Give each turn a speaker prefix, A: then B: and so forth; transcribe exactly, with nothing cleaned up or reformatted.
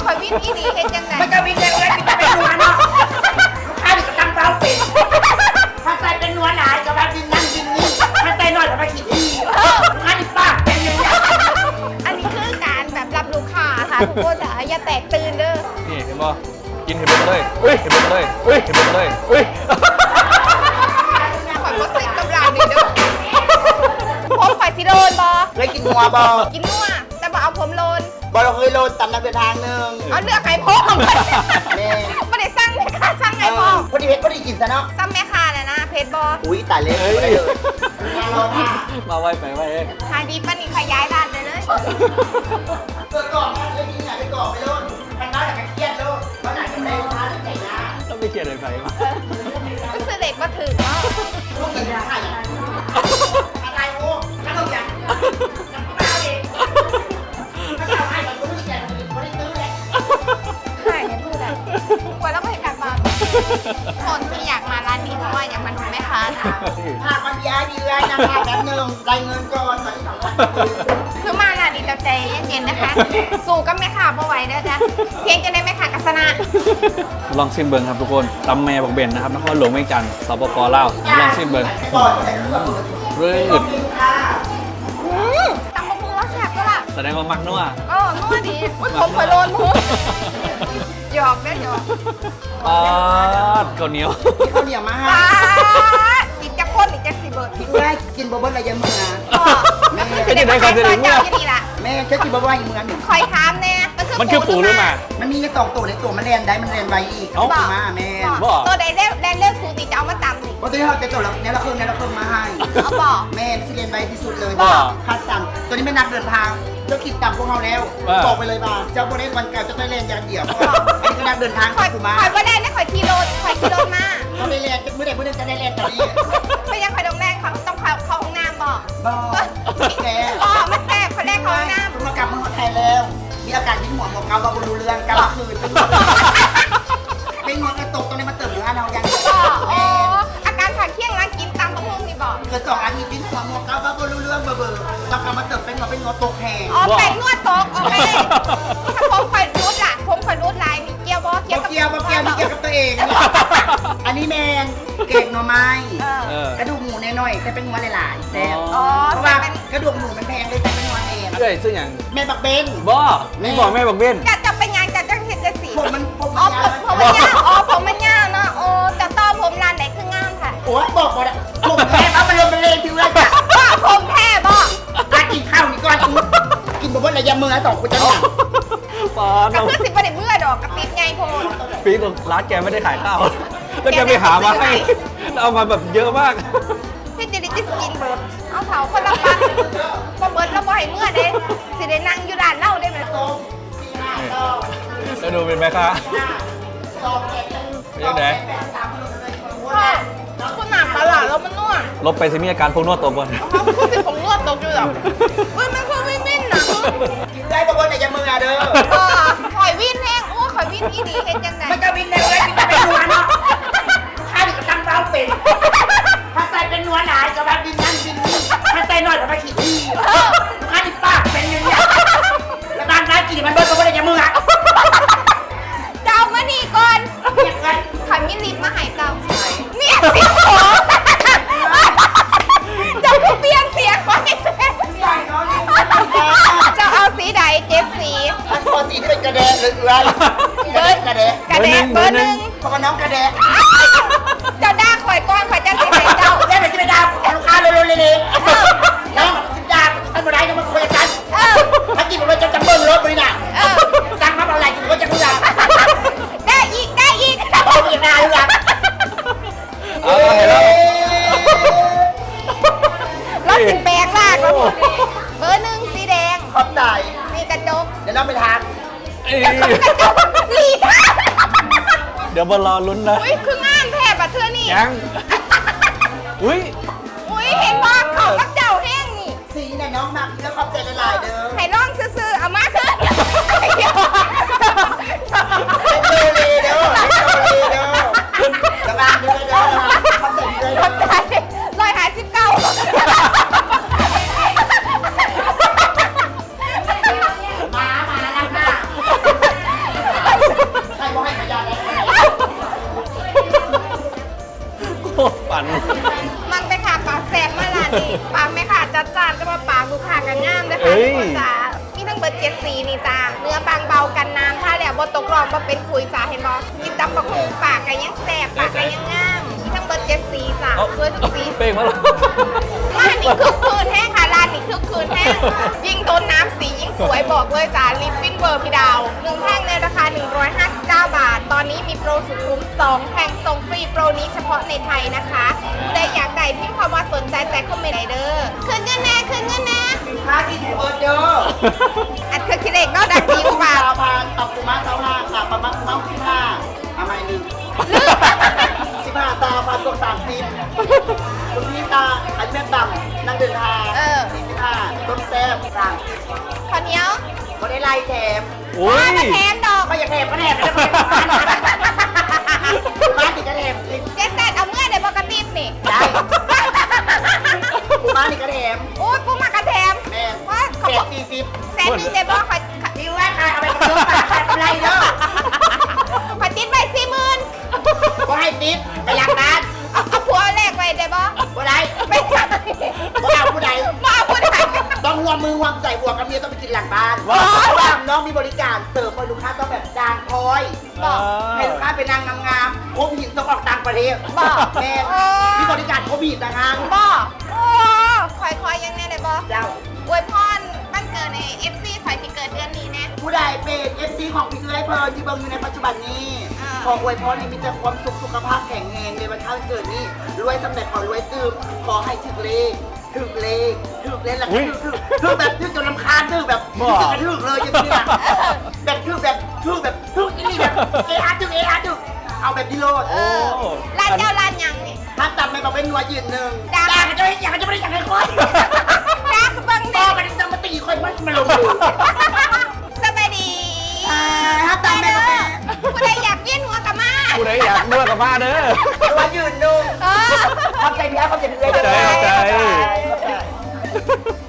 A: อยวินอีดีเห็นยังไง
B: มันจะวินเลยเลยกินเป็นนัวเนาะลูกค้าดิก็ตั้งเป้าเป็นถ้าใส่เป็นนัวหลายก็แบบวินนั่งวินนี่ถ้าใส่น้อยก็มาขีดที่ลูกค้าดิปากเป็นยังไง
A: อันนี้คือการแบบรับลูกค้าค่ะทุกคนจ๋าอย่าแตกตื่นเด้อ
C: นี่เห็นบ่กินเห็นหมดเลยอุ้ยเห็นหมดเลยอุ้ยเห็นหมดเลยอุ้ย
A: ข่อยบ่ติดกำลังนี่เด้อผมข่อยสิโลนบ่
B: เคยกินนัวบ่
A: กินนัวแต่บ่เอาผมโลน
B: บ่เราเคยโลนตำน้ำเดินทางนึง
A: เอาเลือกไข่พงแม่ไม่ได้สั่งแม่ค้าสั่งไข่พง
B: พอดีเพชรพอดีกินซะเนาะ
A: สั่งแม่ค้าน่ะนะเพชรบ่
B: อุ้ยตายเลย
C: มาไว้ไปไว้เอง
A: ขายดีปะนี่ขยายร้านเลยเลย
B: เกิดก่อนนะเลยกินอยากไปก่อนไปโลนมันน้อยแต่เครียดโลนเพราะไหนก็ได้ลูกค้าที่ใจนะ
C: เราไม่เครียดเลยไปมา
A: ก็ซื้อเด็กมาถึงเนาะ
B: ลูกกินยาไข่อะไรโอ้ขนมยังยังไม่เอาเองถ้าจะให้มันก็ไม่แก่มันไม่ได้ซื้อเลย
A: ขายเนี่ยพูดอะกว่าแล้วก็เห็นกลับมาคนที่อยากมาร้านนี้เพราะว่าอยากมาดูแม่ค้าค่ะ
B: หากมันย้ายดีเลยนะคะแป๊บนึงได้เงินก่อนตอนที่สองพัน
A: คือมาร้านนี้เราใจเย็นๆนะคะสู่กับแม่ค้าเพราะไหวเด้อจ้ะเพียงจะได้แม่ค้ากัศนะ
C: ลองซิมเบิงครับทุกคนตำแม่บักเบนนะครับนครหลวงเวียงจันทร์สปปลาวลองซิมเบิงรืด
A: ตำมะม่วงแซ่บก็ล่ะ
C: แสดงว่ามักนัว
A: เออนัวดีผมเคยโดนมุกหยอกได้หยอก
C: ปาดข้าวเหนียว
B: ข้าวเหนียวมาให้
A: กินจะข้นอีกจะสีเบิร์ด
B: กินได้กินบะเบิ้ลอะไรยังมึงอ่ะ
A: แม่ก็จะได้คอนเสิร์ตเมื่อ
B: แม่แค่กินบะเบิ้ลยังมึงอ่ะหนึ่ง
A: คอยถามแน่
C: มันคือปูหรือมา
B: มันมีแค่สองตัวในตัวมันเรียนได้มันเรียนไวอีกเอามาแม่
A: ตัวใดเล่แลนเลือกสูติจะเอามาตำสิ
B: เพราะตัวที่เขาจะตัวเราเนี่ยเราเพิ่มเนี่ยเราเพิ่มมาให้
A: เอาบอก
B: แม่สิเรียนไวที่สุดเลยคัดสั่งตัวนี้ไม่นักเดินทางเจ้าคิดต่ำพวกเราแล้วบอกไปเลยบ้าเจ้าโบเล่วันเก่าจะต้องเรียนอย่างเดียวอันนี้ก็นักเดินทาง
A: คอย
B: มา
A: คอยว่าได้นะคอยกิโลคอยกิโลมา
B: เขาได้เรียนเมื่อใดเมื่อใดจะได้เรียนตอนนี้
A: ไม่ยังคอยดงแรกเขาต้องเข้าเข้าห้องน้ำบอก
B: บอกแก
A: อ๋อไม่แซ่บคนแรกเข้าห้องน้ำ
B: คุณมากลับมาไทยแล้วมีอาการยิ้มหัวหมอกเกาบาบูรูเรื่องกลางคืนเป็นหัวกระตกตรงนี้มาเติมเนื้อเรายัง
A: อ๋ออาการขาดเคี่ยงร้านกินตามมะม่วงนี่บอก
B: เกิดสองอาทิตย์ยิ้มหัวหมอกเกาบาบูรูเรื่องเบอร์เบอร์เรากลับมาเติมเป็นหัวเป็นหัวตกแห้ง
A: อ๋อแป้งนวดตกโอเคถ้าผมคอยรูดล่ะผมคอยรูดลายมีเกียวบอ
B: เกียวเกียวเกียวมีเกียวกับตัวเองอันนี้แมนเก่งหน่อไม้กระดูกหมูน้อยๆใส่เป็นหัวหลายๆแซ่บเพราะว่ากระดูกหมูมันแพงเลยใส่เป็นหัวเอง
C: เอ้ยซึ่งอย่าง
B: แม่บักเบน
C: บ่นี่บอกแม่บักเบน
A: จะจะเป็นงานจะจะเห็นจะสี
B: ผมมันผม
A: อ๋อผมผมมันยากอ๋อผมมันยากเนาะโอ้จะต้อผมร้านไหนคืองามค่ะ
B: โอ้ยบอกบอกผมแพ้เอาไปเลยไปเลยพี่เว้ยจ้ะ
A: ผมแพ้บอก
B: การกินข้าวนี่ก่อนกินบะเบิ้ลอะไรยำมือสองคนจะหนัก
C: ปา
A: กับเพื่อนสิบประเดี๋ยวเมื่อดอกกับติดไงโพน
C: ปีตรงร้านแกไม่ได้ขายข้าวแล้วแกไปหามาให้เอามาแบบเยอะมาก
A: พี่จะได้กินเบิร์ดเอาเผาคนละปันก็เบิร์ดแล้วบ่อยเมื่อเด้สิได้นั่งอยู่ร้านเล่าได้ไหม
C: จะดูเป็นไหมคะยังไง
A: คุณหนาปลาแล้วมันนวด
C: ลบไปสิมีอาการพวกนวดตกก่อน
A: พูดสิผมนวดตกอยู่หรอเฮ้ยมันคือวินวินนะ
B: กินได้บะเบิ้ลอะไรยำมือเด้อ
A: ข่อยวินแห้งโอ้ข่อยวินอีดีเห็นยังไง
B: มันจะวินในเลยกินเป็นนัวเนาะข้าดิก็ตั้งเป้าเป็นถ้าใส่เป็นนัวหลายก็แบบวินนั่งวินนี่ถ้าใส่น้อยก็มาขีดที่ข้าดิปากเป็นยังไงแล้วบางร้านกินมันเบิ้ลบะเบิ้ลอะไรยำมืออะ
A: เจ้ามานี่ก่อนข่อยมีลิปมาหายเจ้าเนี่ยสิของเจ้าคือเปลี่ยนเสียงไปจะเอาสีใดเจ็ดสี
B: อันพอสีที่เป็นกระเดะหรืออะไรเบิร์ดกระเดะ
A: กระเดะเบอร์หนึ่ง
B: เพราะว่าน้องกระเดะ
A: เจ้าด่าข่อยก้อนข่อยจะสีไหนเจ้า
B: เล่นไปสิไปดาวลูกค้าเร็วๆเลยน้องสิดาสันบุไรน้องมาคุยกันถ้ากินมันจะจำเบิ้งรถบริณาสั่งมาอะไรกินก็จะคุยกัน
A: ได้อีกได้อีก
B: โอ้ยยังไงล่ะ
A: รถสิบแปดลากเบอร์หนึ่งสีแดง
B: ขอบใจ
A: มีกระจก
B: เดี๋ยวเราไปทาน
A: กระจกลีท่า
C: เดี๋ยวบอลรอลุ้นนะ
A: อุ้ยคืองานแทบอะเธอนี่
C: ยังอุ้ย
A: อุ้ยเห็นว่าเขาก็เจ้าแห้งนี่
B: สีเนี่ยน้องมักแล้วขอบใจหลายๆเด้อ
A: ให้ลองซื้อๆเอามาคือ
B: เด้อเด้อเด้อเด้อระวังเด้อเด้อขอบใจเด้อ
A: ร้อยห้าสิบเก้า
B: มามาแล้วค่ะ
C: ฝัน
A: มันไปขาปากแสบมาละนี่ปากไม่ขาดจัดจานจะมาปากลูกค้ากันงามเลย
C: เอ้
A: ค่ะ
C: ย
A: ทุกคนจ้ามีทั้งเบิร์ดเจ็ดสีนี่จ้าเนื้อบางเบากันน้ำถ้าแล้วบ่ตกรอบบ่เป็นคุยจ้าเห็นบ่กินตำบักหุ่งปากกันยังแสบปากกันยังงามมีทั้งเบิร์ดเจ็ดสีจ้า
C: เอา
A: สวยทุกสี
C: เป้งมาแล้ว
A: ร้านนี้คึกคืนแห้งค่ะร้านนี้คึกคืนแห้งยิ่งโดนน้ำสียิ่งสวยบอกเลยจ้าลิปปิ้นเบอร์พี่ดาวหนึ่งแท่งในราคา หนึ่งร้อยห้าสิบเก้า บาท ตอนนี้มีโปรสุดคุ้มสองแท่งส่งฟรีโปรนี้เฉพาะในไทยนะคะได้อยากได้พิมพ์คำว่าสนใจแต่คอมเมนต์ไหนเด้อคืนเงินแน่คืนเงินแน่
B: สินค้าที่ถูกเปิดเด้อ
A: อัดคือคิดเองก็ดังดีกว่า
B: สาวพานตับกุมาสาวห้าค่ะประมาณเมาสิบห้าทำไมลืมสิบห้าสาวพานตัวสามสิบคุณพี่ตาอันแม่ต่ำนั่งเดินทางสี่สิบห้าต้นแซ่บสามสิบ
A: ข้าวเหนียว
B: ก็ได้ไล่แถม
C: โอ้ย
A: มาแทนดอก
B: ก็อย่าแถมก็แถมไม่ได้บ้านติดกระแถมสิ
A: เจ๊แซดเอาเมื่อเดี๋ยวบอกกระติบนี่
B: ได้กูบ้านติดกระแถม
A: โอ้ยกูมากระแถม
B: แม่
A: ว่าเขา
B: เจ็
A: บ
B: ด
A: อก
B: สี่สิบ
A: แสนหนึงเดี๋ยวบอกคอย
B: ดิวว่าใครเอาไปกระตุ้นปากใครเป็นไรเด้อ
A: คอยติดไปสี่หมื่น
B: ก็ให้ติ๊บไปหลังบ้าน
A: เอาเอาผัวแรกไปเดี๋ยวบอก
B: ก็ได้
A: ไม่ใช่
B: ก็เอาผู้ใด
A: มาเอาผู้ใด
B: ต้องห่วงมือห่วงใจห่วงกับเมียต้องไปกินหลังบ้าน
C: ว้าว
B: เพราะว่าน้องมีบริการเสิร์ฟให้ลูกค้าต้องแบบจางคอย
A: บอก
B: ให้ลูกค้าเป็นนางงามๆครบหินต้องออกต่างประเทศ
A: บอก
B: แม่
A: เออ
B: มีบริการครบหินนะคะ
A: บอกโอ้คอยคอยยังไงเลยบอก
B: เจ้า
A: อวยพรบ้านเกิดในเอฟซีคอยที่เกิดเดือนนี้แน่
B: ผู้ใดเป็นเอฟซีของพี่เอ้ยเพลินที่เบิ่งอยู่ในปัจจุบันนี้
A: อ่า
B: ขออวยพรให้มีแต่ความสุขสุขภาพแข็งแรงในวันข้างเกิดนี้รวยสำเร็จขอรวยตื่มขอให้ถึกเลขถึกเลขถึกเลขแล้ว
C: อุ๊
B: ก็
C: ย
B: ถึกถึกแบบถึกจนลำคาญถึกแบบ
C: บ่
B: รู้สึกกระถึกเลยจังซี่อะแบบถึกแบบถึกแบบถึกอีนี่แบบเออาร์ถึกเออาร์ถึกเอาแบบนี้โลด
A: เออร้านเจ้าร้านยังนี่
B: ถ้าจำไม่บอกเป็นนัวยืนหนึ่ง
A: จ้า
B: อยากจะไม่อยากจะไม่ได้อยากให้คอย
A: จ้าเบิ่ง
B: บอ
A: เด็
B: กกันจะมาตีคอยมันมาลงมือ
A: สบายดี
B: อ่าถ้าจำไม่บอกเป็น
A: ผู้ใดอยากเวียนหัวกับมา
C: ผู้ใดอยากนวดกับมาเด้อ
B: นัวยืนหนึ่ง
A: เออ
B: ความใจเมียความใจเมีย
C: ใจใจ
B: ใจ